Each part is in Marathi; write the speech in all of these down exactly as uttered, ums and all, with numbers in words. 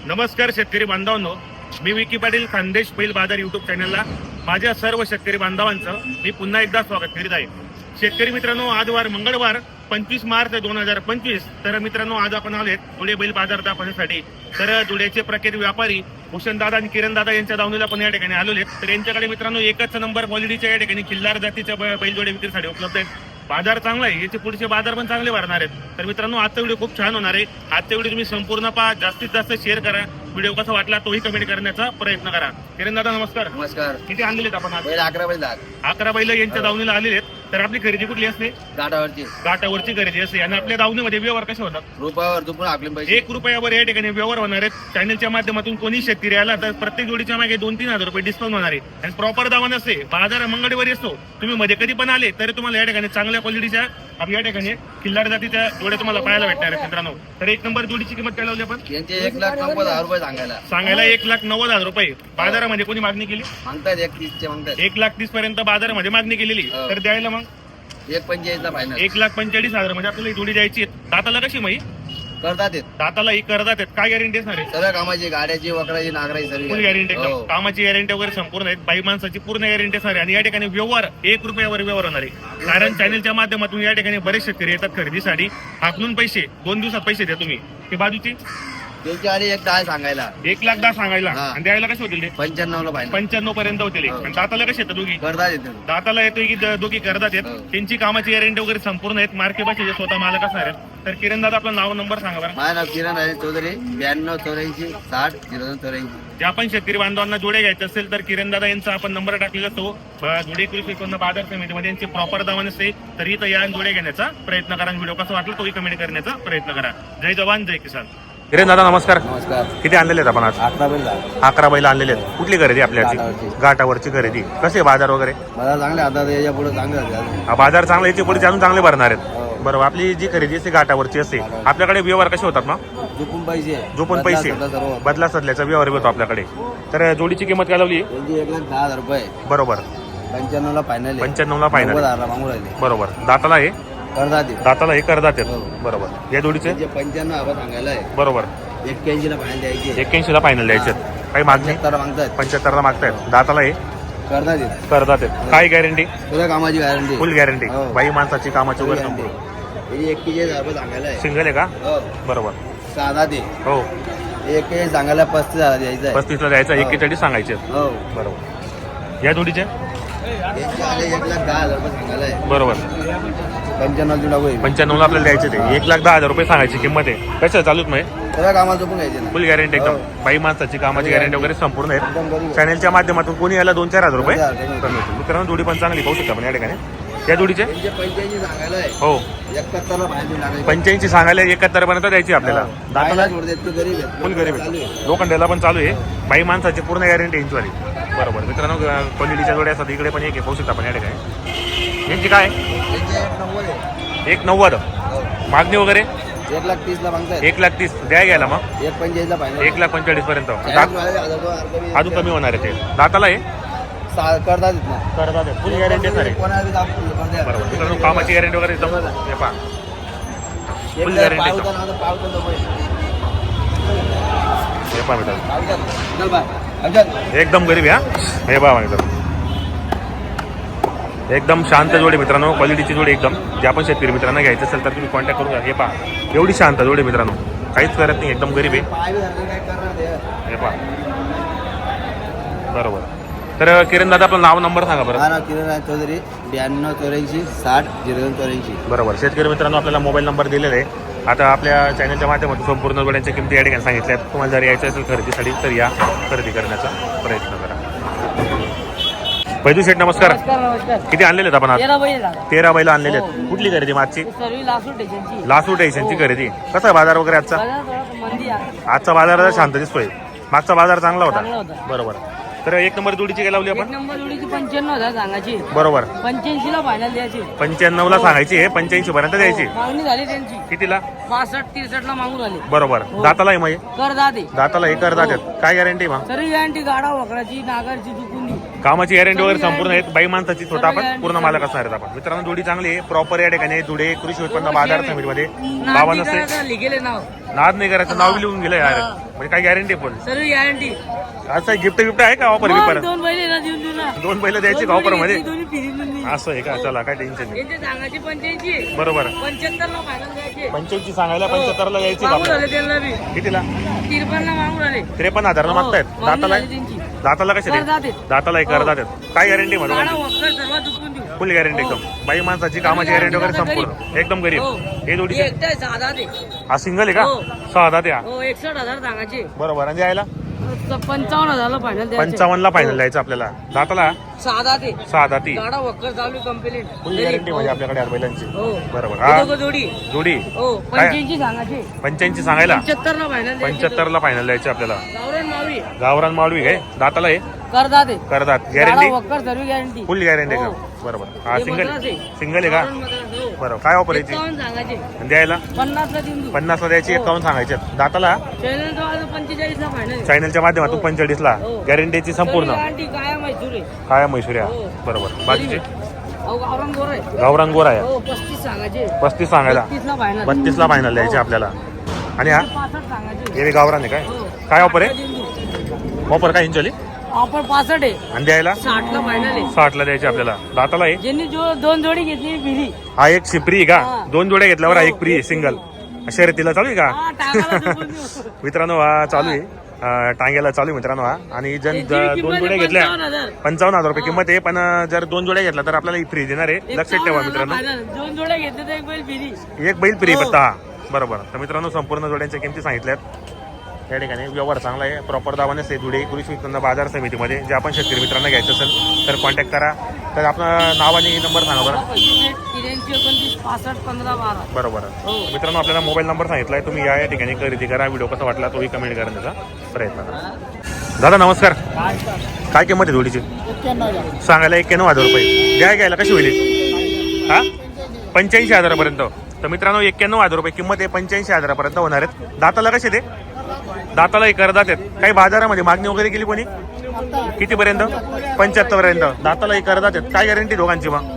नमस्कार शेतकरी बांधवांनो, मी विकी पाटील खानदेश बैल बाजार युट्यूब चॅनलला माझ्या सर्व शेतकरी बांधवांचं मी पुन्हा एकदा स्वागत करीत आहे. शेतकरी मित्रांनो, आज वार मंगळवार पंचवीस मार्च दोन हजार पंचवीस. तर मित्रांनो, आज आपण आलेत धुळे बैल बाजार दाखवण्यासाठी. तर धुळेचे प्रख्यात व्यापारी भूषण दादा आणि किरण दादा यांच्या दावणीला पण या ठिकाणी आलेले. तर यांच्याकडे मित्रांनो एकच नंबर क्वालिटीच्या या ठिकाणी खिल्लार जातीच्या बैलजोडे विक्रीसाठी उपलब्ध आहेत. बाजार चांगला आहे, याचे पुढचे बाजार पण चांगले भरणार आहेत. तर मित्रांनो, आजचा व्हिडिओ खूप छान होणार आहे. आजचा व्हिडिओ तुम्ही संपूर्ण पहा, जास्तीत जास्त शेअर करा. व्हिडिओ कसा वाटला तोही कमेंट करण्याचा प्रयत्न करा. किरण दादा नमस्कार. नमस्कार. किती आणलेले आपण आज? बैल अकरा बैल दात अकरा बैल यांच्या दावणीला आलेले आहेत. तर आपली खरेदी कुठली असते? गाठावरची गाठावरची खरेदी असते. आणि आपल्या दावणीमध्ये व्यवहार कसे होतात? रुपयावर दुपून आपले पैसे एक रुपयावर या ठिकाणी व्यवहार होणार आहेत. चॅनलच्या माध्यमातून कोणी शेतकरी आला तर प्रत्येक जोडीच्या मागे दोन तीन हजार रुपये डिस्काउंट होणार आहे. आणि प्रॉपर दावा नसते, बाजार मंगळवारी असतो. तुम्ही मध्ये कधी पण आले तरी तुम्हाला या ठिकाणी चांगल्या क्वालिटीच्या आपल्या या ठिकाणी किल्लार जातीच्या जोड्या तुम्हाला पाहायला भेटणार आहेत मित्रांनो. तर एक नंबर जोडीची किंमत काय लावली आपण? यांचे एक लाख नव्वद हजार रुपये सांगायला सांगायला एक लाख नव्वद हजार रुपये. बाजारामध्ये कोणी मागणी केली? मागतायत एक तीसचे मागतायत एक लाख तीस पर्यंत बाजारामध्ये मागणी केलेली. हो. तर द्यायला मग एक पंचेचाळीसला फायनल एक लाख पंचेचाळीस हजार म्हणजे आपल्याला ही जोडी द्यायची आहे. दाताला कशी माही? करतात येत दाताला ही करतात आहेत. काय गॅरंटी असणार आहे? सर्व कामाची गाड्याची वकराची नागराची सर्व फुल गॅरंटी एकदम. हो. कामाची गॅरंटी वगैरे संपूर्ण आहेत. बाई माणसाची पूर्ण गॅरंटी असणार आहे. आणि या ठिकाणी व्यवहार एक रुपयावर व्यवहार होणार आहे. कारण चॅनलच्या माध्यमातून या ठिकाणी बरेच शेतकरी येतात खरेदीसाठी. हाकलून पैसे दोन दिवसात पैसे द्या तुम्ही. ते बाजूची त्यांची आणि एक दहा सांगायला एक लाख दहा सांगायला हा. आणि द्यायला कसे होतील ते? पंच्याण्णवला फायनल पंच्याण्णव पर्यंत होतील. हो. आणि दाताला कसे येतात दोघी? करतात येते दाताला येतोय की द- दोघी करतात येत. हो. त्यांची कामाची गॅरंटी वगैरे संपूर्ण आहेत. मार्के भाषेचे स्वतः मालक असणार आहेत. तर किरण दादा आपलं नाव नंबर सांगा बरं. माझं नाव किरण आहे चौधरी, ब्याण्णव चौऱ्याऐंशी साठ झिरो दोन चौऱ्याऐंशी. जे आपण शेतकरी बांधवांना जोडे घ्यायचे असेल तर किरण दादा यांचा आपण नंबर टाकलेला असतो. ब- जोडे कृषी उत्पन्न बाजार समितीमध्ये यांची प्रॉपर दावा नसते. तरी तर या जोडे घेण्याचा प्रयत्न करा. व्हिडिओ कसा वाटला तोही कमेंट करण्याचा प्रयत्न करा. जय जवान जय किसान. किरण दादा नमस्कार. नमस्कार. किती आणलेले आहेत आपण आज? अकरा बैल दात अकरा बैल आणलेले आहेत. कुठली खरेदी आपल्याची? गाठावरची. गाठावरची खरेदी. कसे बाजार वगैरे? मला चांगले आता याच्या पुढे चांगले झाले. हा, बाजार चांगला याचे पुढे अजून चांगले भरणार आहेत. हो. बरोबर. आपली जी खरेदी असते गाठावरची असते. आपल्याकडे व्यवहार कसे होतात मग? झोपून पैसे झोपून पैसे बदला सर्व. बदला सदल्याचा व्यवहार होतो आपल्याकडे. तर जोडीची किंमत काय लावली? त्यांची एक लाख दहा हजार रुपये बरोबर. पंच्याण्णवला फायनल पंच्याण्णवला फायनल. नव्वद हजारला मागून राहिले बरोबर. दाताला आहे करतात येत. दाताला हे करतात आहेत. हो. बरोबर. या जोडीचे त्यांचे पंच्याण्णव हजार सांगायला आहे. बरोबर. एक्क्याऐंशीला फायनल द्यायचे. एक्क्याऐंशी ला फायनल द्यायचे. काही मागणी? पंच्याहत्तर मागतात पंच्याहत्तर ला मागतायत. दाताला हे करतात येत. करतात आहेत. काय गॅरंटी? तुझ्या कामाची गॅरंटी फुल गॅरंटी. हो. बाई माणसाची कामाची वगैरे संपूर्ण. त्याची एक्केचाळीस हजार रुपये सांगायला आहे. सिंगल आहे का? हो. बरोबर. साधा ते हो. एक्केचाळीस सांगायला पस्तीस हजार द्यायचं आहे. पस्तीस ला द्यायचं. हो. एक्केचाळीस सांगायचे. हो. बरोबर. या जोडीचे यांचे आले एक लाख दहा हजार रुपये सांगायला आहे. बरोबर. पंच्याण्णव जुला होईल. पंच्याण्णव ला आपल्याला द्यायचे ते. एक लाख दहा हजार रुपये सांगायची किंमत आहे. कसं चालूच नाही? तुझ्या कामाचं पण घ्यायचे ना. फुल गॅरंटी एकदम. हो. बाई माणसाची कामाची गॅरंटी वगैरे संपूर्ण आहे. एकदम बरोबर. चॅनलच्या माध्यमातून कोणी याला दोन चार हजार रुपये दोन चार हजार कमी होतील. मित्रांनो, जोडी पण चांगली पाहू शकता आपण या ठिकाणी. या जोडीचे त्यांचे पंच्याऐंशी सांगायला आहे. हो एकाहत्तरला फायनल लागायचं. पंच्याऐंशी सांगायला एकाहत्तर पर्यंत द्यायची आपल्याला. दाताला दाताला जोड देत, तू गरीब आहे. फुल गरीब चालू आहे. आहे. लोखंडाला पण चालू आहे. बाई माणसाची पूर्ण गॅरंटी यांचीवाली. बरोबर. मित्रांनो, क्वालिटीच्या जोड्या असतात. इकडे पण एक आहे, पाहू शकता आपण या ठिकाणी. यांची काय? त्यांचे एक नव्वद आहे. एक नव्वद. हो. मागणी वगैरे एक लाख तीसला मागतायत. एक लाख तीस द्या घ्यायला मग. एक पंचेचाळीसला फायनल. एक लाख पंचेचाळीस पर्यंत. चाळीस वाले हजार दोन हजार कमी. अजून कमी होणार आहे ते. दाताला आहे सा- करतात येत ना. करतात फुल गॅरंटी सर आहे. कोणाला बी दाखवून दे, पण द्या. बरोबर. मित्रांनो, कामाची गॅरंटी वगैरे एकदम हे पहा. एक फुल जर गॅरंटी पाव एकदम. उचलला तर पाव उचलतो पहिले. हे पहा मित्रांनो, पाव उचल. चल बाय. उचल. एकदम गरीब आहे हा. हे पहा मित्रांनो, एकदम शांत जोडी मित्रांनो. क्वालिटीची जोडी एकदम. जे आपण शेतकरी मित्रांना घ्यायचं असेल तर तुम्ही कॉन्टॅक्ट करून घ्या. हे पहा एवढी शांत जोडी मित्रांनो, काहीच करत नाही. एकदम गरीब आहे. पाय बी धरले काय करणार ते. हे पहा. बरोबर. तर किरण दादा आपलं नाव नंबर सांगा बरं. हा ना, किरण आहे चौधरी, ब्याण्णव चौऱ्याऐंशी साठ झिरो दोन चौऱ्याऐंशी. बरोबर. शेतकरी मित्रांनो, आपल्याला मोबाईल नंबर दिलेला आहे. आता आपल्या चॅनलच्या माध्यमातून संपूर्ण जोड्यांच्या किमती या ठिकाणी सांगितल्या आहेत. तुम्हाला जर यायचं असेल खरेदीसाठी तर या खरेदी करण्याचा प्रयत्न करा. पैदू शेठ नमस्कार. नमस्कार नमस्कार. किती आणलेले आहेत आपण आज? तेरा बैल दादा. तेरा बैल आणलेले आहेत. कुठली खरेदी मागची? सर्व लासूर स्टेशनची. लासूर स्टेशनची खरेदी. कसा आहे बाजार वगैरे आजचा? बाजार थोडा मंदी आहे. आजचा बाजार जरा शांत दिसतोय. मागचा बाजार चांगला चांगला होता. होता. बरोबर. तर एक नंबर जोडीची काय लावली एक आपण? नंबर जोडीची पंच्याण्णव हजार सांगायची. बरोबर. पंच्याऐंशी ला फायनल द्यायची. पंच्याण्णव ला सांगायची आहे, पंच्याऐंशी पर्यंत द्यायची. हो, मागणी झाली त्यांची. कितीला? पासष्ट तिरसष्ट ला मागून आले. बरोबर. हो. दाताला आहे मग हे? कर दाते. दाताला हे करतात. काय गॅरंटी मग? सर्व गॅरंटी गाडा वकराची नागरची चुकुंदी. कामाची गॅरंटी वगैरे संपूर्ण आहेत. बाई माणसाची सर्व स्वतः आपण guarantee, पूर्ण सर्व. मालक असणार आहेत आपण. मित्रांनो जोडी चांगली आहे, प्रॉपर या ठिकाणी धुळे कृषी उत्पन्न बाजार समितीमध्ये बाबा नाव नसते, लिहिलेले नाव नाद नाही करायचं, नाव बी लिहून गेलं यार. म्हणजे काय गॅरंटी फुल सर्व गॅरंटी. असं गिफ्ट गिफ्ट आहे का ऑफर बिफर? दोन बैल आहे ना देऊन देऊ ना. दोन बैल द्यायची का ऑफर मध्ये? दोन्ही फिरून देऊ. असं आहे का? चला काय टेन्शन नाही. यांचे सांगायचे पंच्याऐंशी बरोबर पंच्याहत्तर ला फायनल द्यायचे. पंच्याऐंशी सांगायला पंच्याहत्तर ला यायची का मागून आपल्याला? आले त्यांना बी कितीला? तिरपन्न ला मागून आले. त्रेपन्न हजार मागतायत. हो, दाताला मागणी झाली त्यांची. दाताला कसे करदात दे? आहेत. दाताला एक करदात आहेत. काय गॅरंटी गाडा म्हणतो? वक्कर सर्व दुखून देऊ. फुल गॅरंटी एकदम. बाई माणसाची कामाची गॅरंटी वगैरे संपूर्ण एकदम गरीब. हो. हे हे जोडीचे एकटे साधा ते. हा सिंगल आहे का? हो. सहा दात या. हो एकसठ हजार सांगायचे. बरोबर. आणि यायला पंचावन्न हजारला फायनल द्यायचे. पंचावन्न ला फायनल द्यायचं आपल्याला. दाताला साधा ते. सहा दाती. गाडा वक्कर चालू कंप्लेंट. फुल गॅरंटी म्हणजे आपल्याकडे यार बैलांची. हो बरोबर. हे हा दोघं जोडी. जोडी हो पंच्याऐंशी सांगायचे. पंच्याऐंशी सांगायला पंच्याहत्तर ला फायनल पंच्याहत्तर ला फायनल द्यायचे आपल्याला. गावरण मावी गावरान माळवी काय? दाताला आहे करदा ते. करदात. गाडा गॅरंटी वक्कर सर्व गॅरंटी. फुल गॅरंटी हो. एकदम. बरोबर. हा हे सिंगल मद्रास आहे. सिंगल आहे का? गावरान मद्रास, हो. बरोबर. काय ऑफर यायची? एकावन्न सांगायचे. आणि द्यायला पन्नास ला देऊन देऊ. पन्नास ला द्यायची, हो. एकावन्न सांगायचे. दाताला चॅनल तो आज पंचेचाळीस ला फायनल. चॅनलच्या माध्यमातून हो. पंचेचाळीस ला हो. गॅरंटीची संपूर्ण गॅरंटी काय मैसूर आहे. काय म्हैसूर्या. हो. बरोबर. बाकीचे अहो गावरान गोर आहे. गावरान गोरा आहे. हो पस्तीस सांगायचे. पस्तीस सांगायला पस्तीस ला फायनल. बत्तीस ला फायनल द्यायचे आपल्याला. आणि हा पासष्ट सांगायचे. हे बी गावरान आहे काय? हो. काय ऑफर आहे? देऊन देऊ. ऑफर काय इंचली? ऑफर पासष्ट आहे. आणि द्यायला साठ ला फायनल आहे. साठ ला द्यायचे आपल्याला. दाताला आहे. ज्यांनी जो दोन जोडी घेतली फिरी. हा एक फ्री का? हा. दोन जोड्या घेतल्यावर हा हो, एक फ्री आहे हो, सिंगल. हो. शर्यतीला चालू आहे हा, का? टाकाला झोपून देऊ. मित्रांनो हा चालू आहे. अं, टांग्याला चालू आहे मित्रांनो हा. आणि जर त्यांची ज- किंमत दोन आहे जोड्या घेतल्या पंचावन्न हजार. पंचावन्न हजार रुपये किंमत आहे. पण अं, जर दोन जोड्या घेतल्या तर आपल्याला फ्री देणार आहे. लक्षात ठेवा एकावन्न मित्रांनो. हजार final. दोन जोड्या घेतले तर एक बैल फिरी. एक बैल फ्री हो. फक्त हा. बरोबर. तर मित्रांनो संपूर्ण जोड्यांच्या किमती सांगितल्यात. या ठिकाणी व्यवहार चांगला आहे. प्रॉपर दावाने से जुडे कृषी उत्पन्न बाजार समितीमध्ये जे आपण शेतकरी मित्रांना घ्यायचं असेल तर कॉन्टॅक्ट करा. तर आपला नाव आणि नंबर सांगा बरं. त्र्याऐंशी एकोणतीस पासष्ट पंधरा बारा. बरोबर. हो. मित्रांनो आपल्याला मोबाईल नंबर सांगितलाय. तुम्ही या या ठिकाणी खरेदी करा. व्हिडिओ कसा वाटला तोही कमेंट करण्याचा प्रयत्न करा. दादा नमस्कार. काय किंमत आहे जोडीची? सांगायला एक्क्याण्णव हजार रुपये. द्या घ्यायला कशी होईल? हा पंच्याऐंशी हजारापर्यंत. तर मित्रांनो एक्क्याण्णव हजार रुपये किंमत आहे. पंच्याऐंशी हजारापर्यंत होणार आहेत. दाताला कसे ते? दाताला एक करदात आहेत. काही बाजारामध्ये मागणी वगैरे केली कोणी? कितीपर्यंत? पंच्याहत्तर पर्यंत. दाताला एक करदात आहेत. काय गॅरंटी दोघांची मग?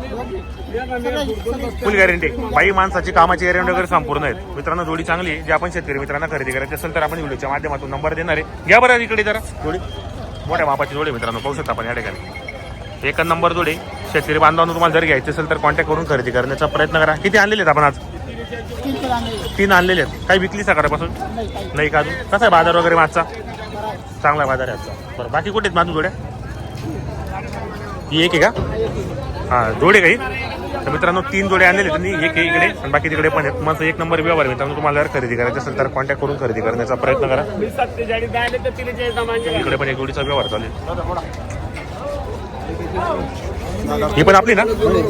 Full guarantee. बाई माणसाची कामाची गॅरंटी वगैरे संपूर्ण आहेत. मित्रांनो जोडी चांगली आहे. जे आपण शेतकरी मित्रांना खरेदी करायची असेल तर आपण व्हिडिओच्या माध्यमातून नंबर देणार आहे. घ्या बरं इकडे जरा जोडी. मोठ्या मापाची जोडी मित्रांनो पाहू शकता आपण या ठिकाणी. एक नंबर जोडी. शेतकरी बांधवांना तुम्हाला जर घ्यायची असेल तर कॉन्टॅक्ट करून खरेदी करण्याचा प्रयत्न करा. किती आणलेले आहेत आपण आज? तीन आणलेले आहेत. काही विकली सकाळपासून? नाही का अजून? कसा आहे बाजार वगैरे मागचा? चांगला बाजार आहे आजचा. बरं बाकी कुठे आहेत माझून जोड्या? ही एक आहे का? हां जोडे काही. तर मित्रांनो तीन जोडे आणलेले त्यांनी. एक आहे इकडे आणि बाकी तिकडे पण आहेत. मग एक नंबर व्यवहार आहे मित्रांनो. तुम्हाला जर खरेदी करायचं असेल तर कॉन्टॅक्ट करून खरेदी करण्याचा प्रयत्न करा. इकडे पण एक जोडीचा व्यवहार चालेल. ही पण आपली ना?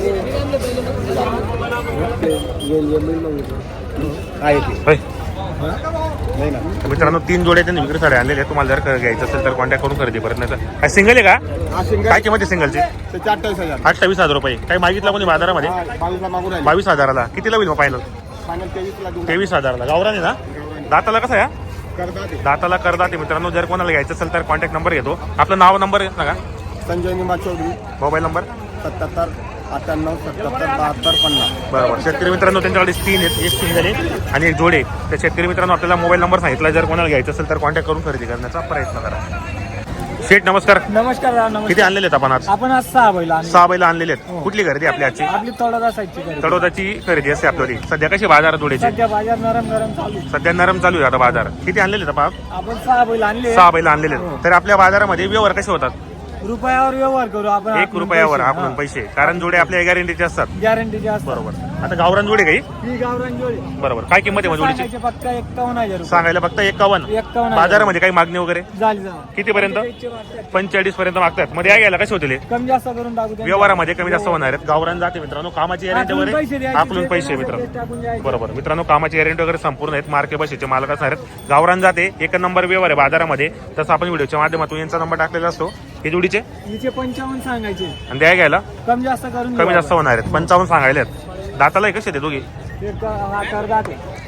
होय. तर मित्रांनो तीन जोडे त्यांनी विक्रीसाठी आणलेले. तुम्हाला जर घ्यायचं असेल तर कॉन्टॅक्ट करून खरेदी करण्याचा. काय सिंगल आहे का? काय किंमत आहे सिंगलची? अठ्ठावीस हजार अठ्ठावीस हजार रुपये. काही मागितला कोणी बाजारामध्ये? बावीसला मागून राहिले. बावीस हजाराला. कितीला होईल मग फायनल? फायनल तेवीसला देऊन तेवीस हजाराला. गावरान आहे ना? दाताला कसं आहे? करता ते. दाताला करदात आहे मित्रांनो. जर कोणाला घ्यायचं असेल तर कॉन्टॅक्ट नंबर घेतो. आपलं नाव नंबर सांगा. संजय निमा चौधरी मोबाईल नंबर. सत्याहत्तर अठ्ठ्याण्णव सत्याहत्तर बहात्तर पन्नास. बरोबर. शेतकरी मित्रांनो त्यांच्याकडे तीन आहेत. एक सिंगल आहे आणि एक जोडे. तर शेतकरी मित्रांनो आपल्याला मोबाईल नंबर सांगितला. जर कोणाला घ्यायचं असेल तर कॉन्टॅक्ट करून खरेदी करण्याचा प्रयत्न करा. शेठ नमस्कार. नमस्कार नमस्कार. किती आणलेले आहेत आपण आज? आपण आज सहा बैल आणले. सहा बैल आणलेले आहेत. कुठली खरेदी आपली आजची? आपली तळोदा साईडची खरेदी. तडोदाची खरेदी असते आपल्याला. सध्या कशी बाजार जोड्याची? सध्या बाजार नरम नरम चालू आहे. सध्या नरम चालू आहे आता बाजार. किती आणलेले आहेत आपण? आपण सहा बैल आणले. सहा बैल आणलेले आहेत. तर आपल्या बाजारामध्ये व्यवहार कसे होतात? रुपयावर व्यवहार करू आपण. एक रुपयावर आपण पैसे. कारण जोडे आपल्या गॅरंटीचे असतात. गॅरंटीचे असतात. बरोबर. आता गावरान जोडे काही? ही गावरान जोडी. बरोबर. काय किंमत आहे मग जोडीची? सांगायचे फक्त एक्कावन्न हजार रुपये. सांगायला फक्त एकावन्न. एक्कावन्न हजार. बाजारामध्ये काही मागणी वगैरे? झाली झाली. कितीपर्यंत? पंचेचाळीस पर्यंत मागतात. मध्ये या घ्यायला कसे होतील? कमी जास्त करून टाकू त्यांचे. व्यवहारामध्ये कमी जास्त होणार आहेत. गावरान जाते मित्रांनो. कामाची गॅरंटी आकलून पैसे वगैरे द्यायचे. आकलून जे पैसे कोणाला मित्रांनो. ते टाकून द्यायचे. बरोबर. मित्रांनो कामाची गॅरंटी वगैरे संपूर्ण आहेत. मार्के बशीचे मालक असणार आहेत. गावरान जाते. एक नंबर व्यवहार आहे बाजारामध्ये. तसं आपण व्हिडिओच्या माध्यमातून यांचा नंबर टाकलेला असतो. हे जोडीचे हिचे पंचावन्न सांगायचे. आणि द्या घ्यायला कमी जास्त करून कमी जास्त होणार आहेत. पंचावन्न सांगायला आहेत. दाताला कसे ते दोघी? एक हा करदाते.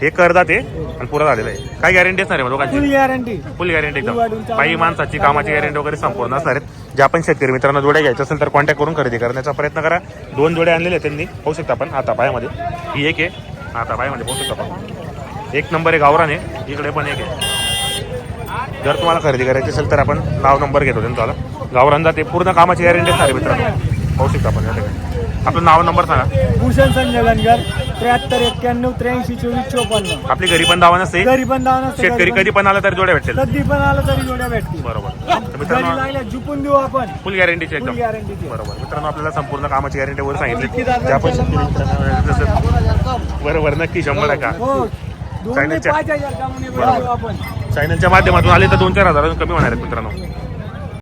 हे करदात आहे आणि पुरा झालेलं आहे. काय गॅरंटी असणार आहे मग फुल लोकांची? गॅरंटी. फुल गॅरंटी एकदम. वाढून चालू बाई माणसाची कामाची गॅरंटी वगैरे संपूर्ण असणार आहेत. ज्या आपण शेतकरी मित्रांना जोड्या घ्यायच्या असेल तर कॉन्टॅक्ट करून खरेदी करण्याचा प्रयत्न करा. दोन जोडे आणलेले आहेत त्यांनी, पाहू शकता आपण हातापायामध्ये. ही एक आहे, हातापायामध्ये पाहू शकता आपण. एक नंबर आहे गावरान आहे, इकडे पण एक आहे. जर तुम्हाला खरेदी करायची असेल तर आपण नाव नंबर घेतो त्यांचा. गावरान जाते, पूर्ण कामाची गॅरंटी असणार आहे मित्रांनो. पाहू शकता आपण या ठिकाणी. आपलं नाव नंबर सांगा. भूषण संजय गणगर, त्र्याहत्तर एक्क्याण्णव त्र्याऐंशी चोवीस चोपन्न. आपली घरी पण दावा नसते, घरी पण दावा नसते. शेतकरी कधी पण आला तर जोड्या भेटेल. कधी पण आलं तरी जोड्या भेटतील. बरोबर. तर घरी मित्रांनो लागल्या झुपून देऊ आपण. फुल गॅरंटीची फुल एकदम. गॅरंटी. बरोबर. मित्रांनो आपल्याला संपूर्ण कामाची गॅरंटी वर सांगितली. ज्या पण शेतकरी मित्रांना जसं बरोबर नक्की शंभर टक्का हो, दोन ते चायनाच्या- पाच हजार कामाने बरोबर. आपण. चॅनलच्या माध्यमातून आले तर दोन चार हजार कमी होणार आहेत मित्रांनो.